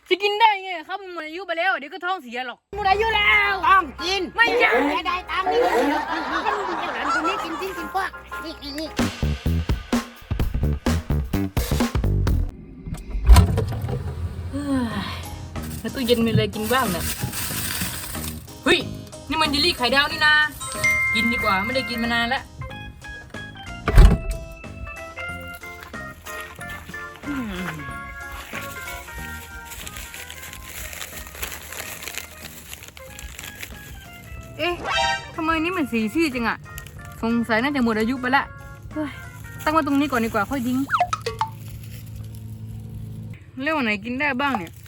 จะกินได้ไงครับมันหมดอายุไปแล้วเดี๋ยวก็ท้องเสียหรอกหมดอายุแล้วต้องกินไม่ใช่ไม่ได้ตามนี้เจ้าหลานคนนี้กินทิ้งกินพวกนี่แล้วตู้เย็นมีอะไรกินบ้างเนี่ยเฮ้ยนี่มันเยลลี่ไข่ดาวนี่นากินดีกว่าไม่ได้กินมานานแล้วเอ๊ะทำไมนี่มันสีซีดจังอะสงสัยน่าจะหมดอายุไปละเฮ้ยตั้งไว้ตรงนี้ก่อนดีกว่าค่อยทิ้งเรื่องไหนกินได้บ้างเนี่ย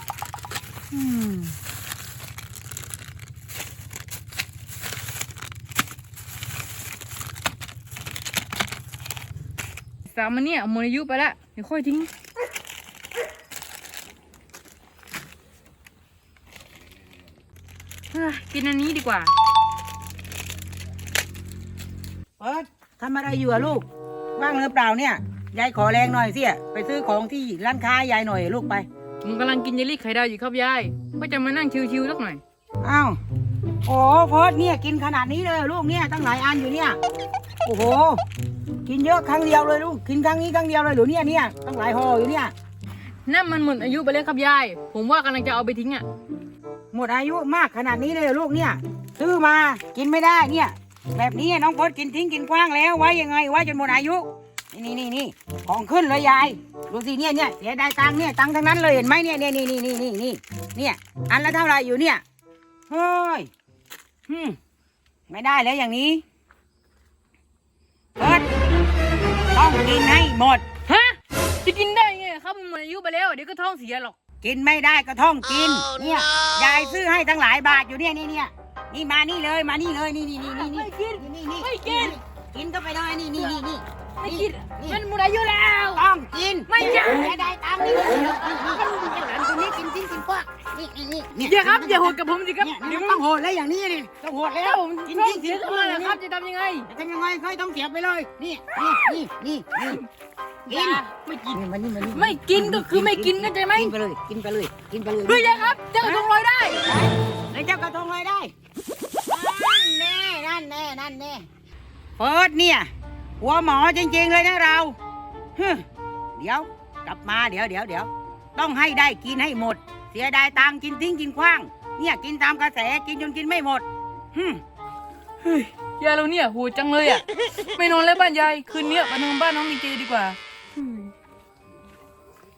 สามมันเนี่ยหมดอายุไปละเดี๋ยวค่อยทิ้งกินอันนี้ดีกว่าเปิดทำอะไรอยู่อะลูกว่างหรือเปล่าเนี่ยยายขอแรงหน่อยสิไปซื้อของที่ร้านค้ายายหน่อยลูกไปผมกำลังกินเยลลี่ไข่ดาวอยู่ครับยายก็จะมานั่งชิวๆสักหน่อยอ้าวโอ้เพิร์ดเนี่ยกินขนาดนี้เลยลูกเนี่ยตั้งหลายอันอยู่เนี่ยโอ้โหกินเยอะครั้งเดียวเลยลูกกินครั้งนี้ครั้งเดียวเลยหรือเนี่ยตั้งหลายห่ออยู่เนี่ยนั่นมันหมดอายุไปแล้วครับยายผมว่ากำลังจะเอาไปทิ้งอ่ะหมดอายุมากขนาดนี้เลยลูกเนี่ยซื้อมากินไม่ได้เนี่ยแบบนี้น้องเพิร์ดกินทิ้งกินกว้างแล้วไว้ยังไงไว้จนหมดอายุนี่ของขึ้นเลยยายดูสิเนี่ยเสียดายตังค์เนี่ยตังค์ทั้งนั้นเลยเห็นไหมเนี่ยเนี่ยอันละเท่าไหร่อยู่เนี่ยเฮ้ยไม่ได้แล้วอย่างนี้เพิร์ดต้องกินให้หมดฮะจะกินได้ไงครับมันหมดอายุไปแล้วเดี๋ยวก็ท้องเสียหรอกกินไม่ได้ก็ท่องกินเนี่ยยายซื้อให้ตั้งหลายบาทอยู่เนี่ยนี่มานี่เลยนี่ไม่กินไม่กินกินก็ไปเลยนี่ไม่กินมันหมดอายุแล้วต้องกินไม่ใช่ไม่ได้ตามนี้เจ้าหลานคนนี้กินทิ้งกินพวกนี่อย่าครับอย่าโหดกับผมสิครับเดี๋ยวต้องโหดแล้วอย่างนี้นี่ต้องโหดแล้วกินทิ้งเสียขึ้นมาแล้วครับจะทำยังไงค่อยต้องเสียบไปเลยนี่กินไม่กินมันนี่ไม่กินก็คือไม่กินเข้าใจไหมกินไปเลยเฮ้ยครับเจ้ากระทงลอยได้ไอ้เจ้ากระทงลอยได้นั่นแน่เปิดเนี่ยหัวหมอจริงๆเลยนะเราเดี๋ยวกลับมาเดี๋ยวต้องให้ได้กินให้หมดเสียดายตังกินทิ้งกินขว้างเนี่ยกินตามกระแสกินจนกินไม่หมดเฮ้ยยายเราเนี่ยโหดจังเลยอ่ะไม่นอนแล้วบ้านยายคืนนี้มานอนบ้านน้องมีเจดีกว่า